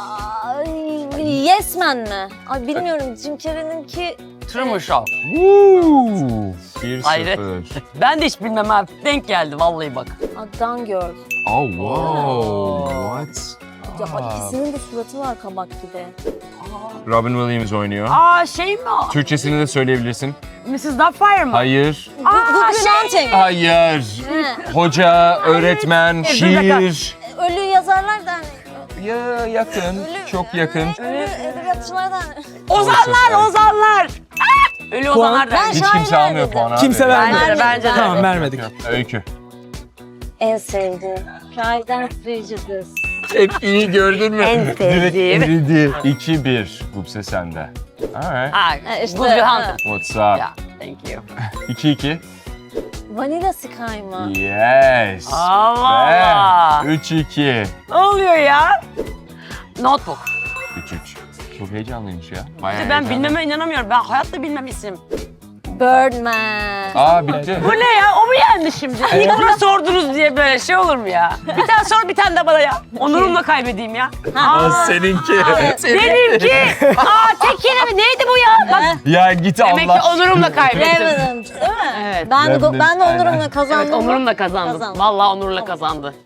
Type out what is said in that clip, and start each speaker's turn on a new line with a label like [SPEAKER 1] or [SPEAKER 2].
[SPEAKER 1] Yes Man mi? Ay bilmiyorum. Jim Carrey'ninki...
[SPEAKER 2] Truman Show.
[SPEAKER 3] Woo! 1-0.
[SPEAKER 2] Hayır. Ben de hiç bilmem abi. Denk geldi vallahi bak.
[SPEAKER 1] Gone Girl.
[SPEAKER 3] Oh wow. What?
[SPEAKER 1] Ya ikisinin de suratı var kabak gibi.
[SPEAKER 3] Robin Williams oynuyor.
[SPEAKER 2] Aa şey mi o?
[SPEAKER 3] Türkçesini de söyleyebilirsin.
[SPEAKER 2] Mrs. Doubtfire mı?
[SPEAKER 3] Hayır.
[SPEAKER 1] Good Will Hunting.
[SPEAKER 3] Hayır.
[SPEAKER 1] He.
[SPEAKER 3] Hoca, öğretmen,
[SPEAKER 2] Dur bir dakika.
[SPEAKER 3] şiir.
[SPEAKER 1] Ölü yazarlar da hani.
[SPEAKER 3] Ya yakın, çok yakın.
[SPEAKER 1] Ölü edebiyatçılar da hani.
[SPEAKER 2] Ozanlar! Ah! Ölü Ozanlar da.
[SPEAKER 1] Ben
[SPEAKER 3] Hiç
[SPEAKER 1] şairler
[SPEAKER 3] kimse almıyor
[SPEAKER 1] dedim.
[SPEAKER 3] puan abi.
[SPEAKER 4] Kimse vermedi.
[SPEAKER 2] Bence de.
[SPEAKER 4] Tamam vermedik.
[SPEAKER 3] Öykü.
[SPEAKER 1] En sevdiğim. Pride and Prejudice.
[SPEAKER 3] Tepkiyi gördün mü?
[SPEAKER 2] En sevdiğim.
[SPEAKER 3] Eridi. 2-1. Gupse sende. Alright.
[SPEAKER 2] Ha,
[SPEAKER 1] işte,
[SPEAKER 2] Good Will
[SPEAKER 1] ha.
[SPEAKER 2] Hunting.
[SPEAKER 3] What's up?
[SPEAKER 2] Ya, thank you.
[SPEAKER 3] 2-2.
[SPEAKER 1] Vanilla Sky mı?
[SPEAKER 3] Yes.
[SPEAKER 2] Allah Allah.
[SPEAKER 3] 3-2.
[SPEAKER 2] Ne oluyor ya? Notebook.
[SPEAKER 3] 3-3. Çok heyecanlıymış ya. Bayağı
[SPEAKER 2] Ben
[SPEAKER 3] heyecanlı.
[SPEAKER 2] bilmeme inanamıyorum. Ben hayatta bilmem isim.
[SPEAKER 1] Birdman.
[SPEAKER 3] Aa bitti.
[SPEAKER 2] Bu ne ya? O mu yendi şimdi? İlk bunu sordunuz diye böyle şey olur mu ya? Bir tane sor, bir tane de bana ya. Onurumla kaybedeyim ya.
[SPEAKER 3] Seninki.
[SPEAKER 2] Benimki. Tek kelime neydi bu ya? Bak,
[SPEAKER 3] Ya git
[SPEAKER 2] demek ki
[SPEAKER 3] Allah.
[SPEAKER 2] onurumla kaybettim.
[SPEAKER 1] Revenant değil mi?
[SPEAKER 2] Evet.
[SPEAKER 1] Ben de
[SPEAKER 3] Revenant,
[SPEAKER 1] onurumla
[SPEAKER 3] aynen.
[SPEAKER 1] kazandım.
[SPEAKER 2] Evet, onurumla kazandım.
[SPEAKER 1] Kazandım.
[SPEAKER 2] Vallahi onurla kazandı.